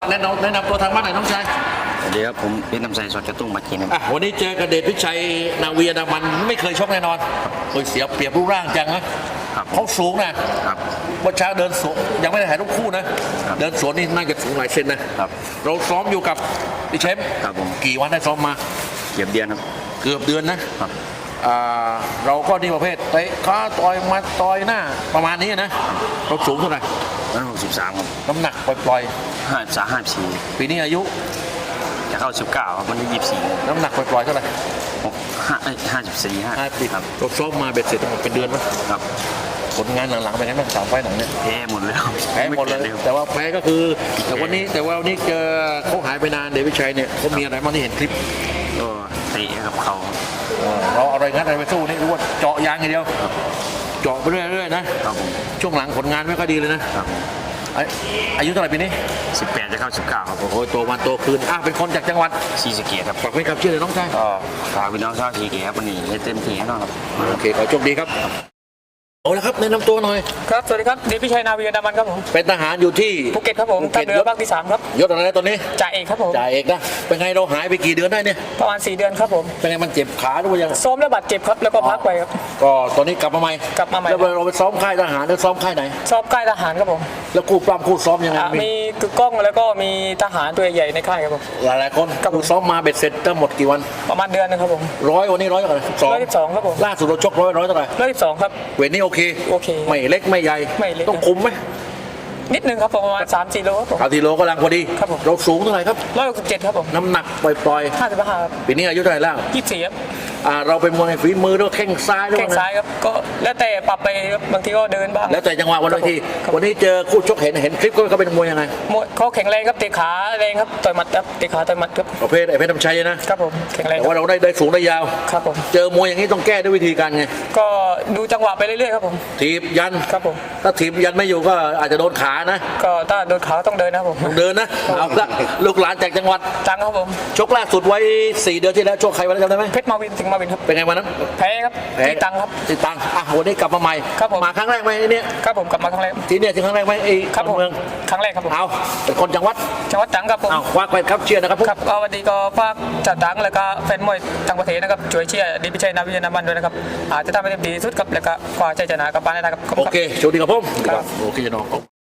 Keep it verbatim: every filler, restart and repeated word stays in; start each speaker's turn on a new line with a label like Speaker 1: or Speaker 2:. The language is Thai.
Speaker 1: แนะนำแนะนำตัวทางบ้านหน่อยน้องชาย
Speaker 2: สวัสดีครับผมเป็นน้ำใสสดกระตุ้งมากินครับ
Speaker 1: วันนี้เจอกระเดชพิชัยนาวีนามันไม่เคยชกแน่นอนโอ้ยเสียเปรียบรูปร่างจังนะเขาสูงนะครับวันเช้าเดินสวนยังไม่ได้ถ่ายรูปคู่นะเดินสวนนี่น่าจะสูงหลายเซนนะครับเราซ้อมอยู่กับดิเชม
Speaker 2: ครับผม
Speaker 1: กี่วันได้ซ้อมมา
Speaker 2: เกือบเดือนครับ
Speaker 1: เกือบเดือนนะครับเราก็นี่ประเภทเตะขาต่อยมาต่อยหน้าประมาณนี้นะเราสูงเท่าไหร่
Speaker 2: ร้อยหกสิบสามครับ
Speaker 1: น้ำหนักปล่อย
Speaker 2: ๆห้าสามห้าสี่
Speaker 1: ปีนี้อายุ
Speaker 2: จะเข้าสิบเก้าครับวันที่ยี่สิบสี่
Speaker 1: น้ำหนักปล่อยๆเท่าไหร่
Speaker 2: ห้าห้าสิบสี่ห้า
Speaker 1: ห้าสิบครับเราซ้อมมาเบ็ดเสร็จเป็นเดือนไหม
Speaker 2: ครับ
Speaker 1: ผลงานหลังๆเป็นไงบ้างสามไฟหลังเนี่ย
Speaker 2: แพ้หมดเลย
Speaker 1: แพ้หมดเลยแต่ว่าแพ้ก็คือแต่วันนี้แต่ว่าวันนี้เจอเขาหายไปนานเดวิดชัยเนี่ยเขามีอะไรบ้างที่เห็นคลิป
Speaker 2: ก็เตะกับเขา
Speaker 1: เราอะไรงัดอะไรไปสู้นี่รู้ว่าเจาะยางอย่างเดียวเจาะไปเรื่อยๆนะช่วงหลังผลงานไม่ค่อยดีเลยนะอายุเท่าไหร่ปีนี้
Speaker 2: สิบแปดจะเข้าสิบเก้าครับ
Speaker 1: โอ้โหโตวันโตคืนอ่ะเป็นคนจากจังหวัด
Speaker 2: ศรีสะเกษครับ
Speaker 1: ฝากไว้กับชื่อเลยน้องชาย
Speaker 2: ก็ฝากพี่น้องชาวศรีสะเกษครับวันนี้ให้เต็มที่แน่นอนครับ
Speaker 1: โอเคขอโชคดีครับเอาละครับแนะนำตัวหน่อย
Speaker 3: ครับสวัสดีครับเดชพิชัยนาวีนามันครับผม
Speaker 1: เป็นทหารอยู่ที่
Speaker 3: ภูเก็ตครับผมทัพเรือภาคที่สามครับ
Speaker 1: ยศอะไรตอนนี้
Speaker 3: จ่าเอกครับผม
Speaker 1: จ่าเอกนะเป็นไงเราหายไปกี่เดือนได้เนี่ย
Speaker 3: ประมาณสี่เดือนครับผม
Speaker 1: เป็นไงมันเจ็บขาหรือว่ายัง
Speaker 3: ซ้อมแล้วบาดเจ็บครับแล้วก็พักไปครับ
Speaker 1: ก็ตอนนี้กลับมาใหม่
Speaker 3: กลับมาใหม่
Speaker 1: แล้วเราไปซ้อมค่ายทหารหรือซ้อมค่ายไหน
Speaker 3: ซ้อมค่ายทหารครับผม
Speaker 1: แล้วคู่ปล้ำคู่ซ้อมยังไง
Speaker 3: มีกึกก้องแล้วก็มีทหารตัวใหญ่ในค่ายครับผม
Speaker 1: หลายๆคนคู่ซ้อมมาเบ็ดเสร็จทั้งหมดกี่วัน
Speaker 3: ประมาณเดือนนึงครับผม
Speaker 1: ร้อยวันนี้ร้อยเท่าไหร่
Speaker 3: สองร้อยสิบสองครับผม
Speaker 1: ล่าสุดเราชกร้อยร้อยเท่าไหร่
Speaker 3: ร้อยสิบสองครับ
Speaker 1: เวทนี้โอเค
Speaker 3: โอเค
Speaker 1: ไม่เล็กไม่ใหญ่ต้องคุมไหม
Speaker 3: นิดนึงครับประมาณสามสี่โลครับผม
Speaker 1: สามสี่โลก็ลังพอดี
Speaker 3: ครับผม
Speaker 1: เราสูงเท่าไหร่ครับ
Speaker 3: ร้อยหกสิบเจ็ดครับผม
Speaker 1: น้ำหนักปล่อย
Speaker 3: ๆห้าสิบห้าครับ
Speaker 1: ปีนี้อายุเท่าไหร่แล้ว
Speaker 3: ยี่สิบสี่ครับ
Speaker 1: เราเป็นมวยฝีมือด้วยแข้งซ้ายด้วย
Speaker 3: แข้งซ้ายครับก็แล้วแต่ปรับไปบางทีก็เดินบ้าง
Speaker 1: แล้วแต่จังหวะวันทีวันนี้เจอคู่ชกเห็นเห็นคลิปเขาเป็นมวยยังไง
Speaker 3: มวยเขาแข็งแรงครับเตะขาแรงครับต่อยหมัดครับเตะขาต่อยหมัดครับ
Speaker 1: ประเภทไอ้เพชรน้ำชัยนะครับ
Speaker 3: ผมแข็งแรง
Speaker 1: แต่ว่าเราได้ได้สูงได้ยาว
Speaker 3: ครับผม
Speaker 1: เจอมวยอย่างนี้ต้องแก้ด้วยวิธีการไง
Speaker 3: ก็ดูจังหวะไปเรื่อยๆครับผม
Speaker 1: ถีบยัน
Speaker 3: ครับผม
Speaker 1: ถ้าถีบยันไม่อยู่ก็อาจจะโดนขานะ
Speaker 3: ก็ถ้าโดนขาต้องเดินนะผม
Speaker 1: เดินนะเอาละลูกหลานจากจังหวัด
Speaker 3: จังครับผม
Speaker 1: ชกล่าสุดไว้สี่เดือนที่แล้วชกใครวันนั้นจำได้ไหม
Speaker 3: เพชรมาวินสิงห์มาวินครับ
Speaker 1: เป็นไงวันนั้น
Speaker 3: แพ้ครับตีตังครับ
Speaker 1: ตีตังอ่ะวันนี้กลับมาใหม่
Speaker 3: ครับผม
Speaker 1: มาครั้งแรกไหมเนี่ย
Speaker 3: ครับผมกลับมาครั้งแรก
Speaker 1: ที่เนี่ยที่ครั้งแรกไหมไอ้
Speaker 3: ครับผมครั้งแรกครับผม
Speaker 1: เอาเป็นคนจังหวัด
Speaker 3: จังหวัดจังครับผม
Speaker 1: เอาควักไปครับเชียร์นะครับ
Speaker 3: ครับก็วันนี้ก็ฝากจัดดังแล้วก็แฟนมวยต่างประเทศนะครับช่วยเชียร์เดชพิชัยนาวีนามันด้วยนะครับอาจจะทำให้เต็มที่สุดครับแล้วก็คว้าชัยชนะกลับบ้านได้นะครับ
Speaker 1: โอเคโชคดีครับผมโอเคน้อง